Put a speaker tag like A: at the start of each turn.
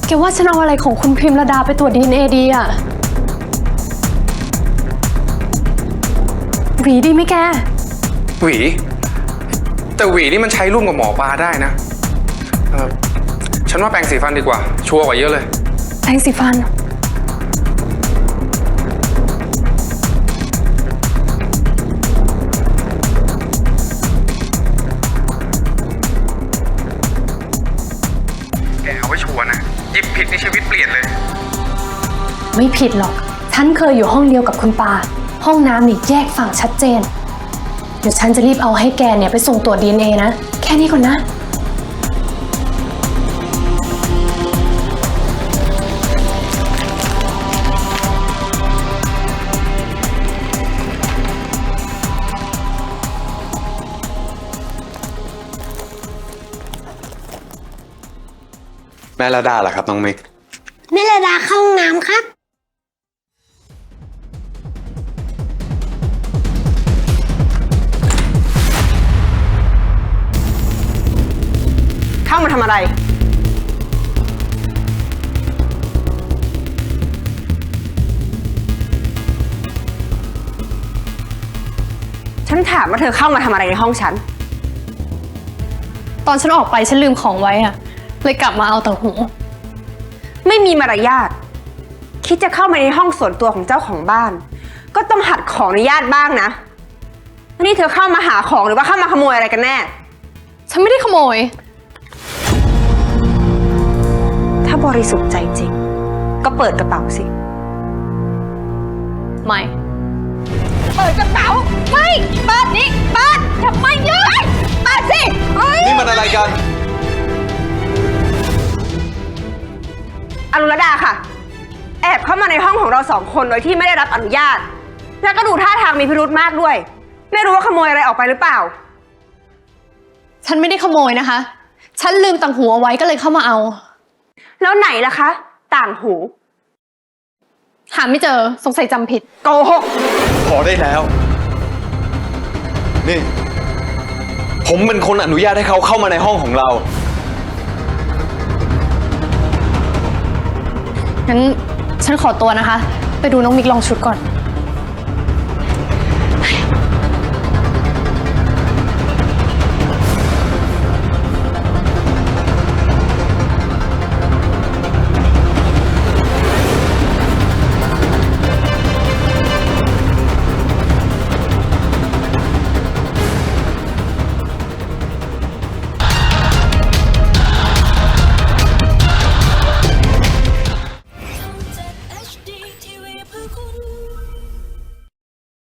A: แกว่าฉันเอาอะไรของคุณพิมระดาไปตรวจ DNA ดีอะหวีดีไหมแก
B: หวีแต่หวีนี่มันใช้ร่วมกับหมอปลาได้นะฉันว่าแปรงสีฟันดีกว่าชัวร์กว่าเยอะเลย
A: แปรงสีฟัน
B: แกเอาไว้ชัวร์นะหยิบผิดในชีวิตเปลี่ยนเลย
A: ไม่ผิดหรอกฉันเคยอยู่ห้องเดียวกับคุณปาห้องน้ำนี่แยกฝั่งชัดเจนเดี๋ยวฉันจะรีบเอาให้แกเนี่ยไปส่งตรวจ DNA นะแค่นี้ก่อนนะ
B: แม่ระดาล่ะครับน้องมิก
C: แม่ระดาเข้าห้องน้ำครับ
D: เข้ามาทำอะไรฉันถามว่าเธอเข้ามาทำอะไรในห้องฉัน
A: ตอนฉันออกไปฉันลืมของไว้อะเลยกลับมาเอาแต่หู
D: ไม่มีมารยาทคิดจะเข้ามาในห้องส่วนตัวของเจ้าของบ้านก็ต้องหัดขออนุญาตบ้างนะนี่เธอเข้ามาหาของหรือว่าเข้ามาขโมยอะไรกันแน่
A: ฉันไม่ได้ขโมย
D: ถ้าบริสุทธิ์ใจจริงก็เปิดกระเป๋าสิ
A: ไม่
D: เปิดกระเป๋าไม่เปิดนี่เปิดทำไมเยอะเปิดสิ
B: นี่มันอะไรกัน
D: อรุณดาค่ะแอบเข้ามาในห้องของเราสองคนโดยที่ไม่ได้รับอนุญาตแล้วก็ดูท่าทางมีพิรุธมากด้วยไม่รู้ว่าขโมยอะไรออกไปหรือเปล่า
A: ฉันไม่ได้ขโมยนะคะฉันลืมต่างหูเอาไว้ก็เลยเข้ามาเอา
D: แล้วไหนล่ะคะต่างหู
A: หาไม่เจอสงสัยจำผิด
D: โกหก
B: พอได้แล้วนี่ผมเป็นคนอนุญาตให้เขาเข้ามาในห้องของเรา
A: งั้นฉันขอตัวนะคะไปดูน้องมิกลองชุดก่อน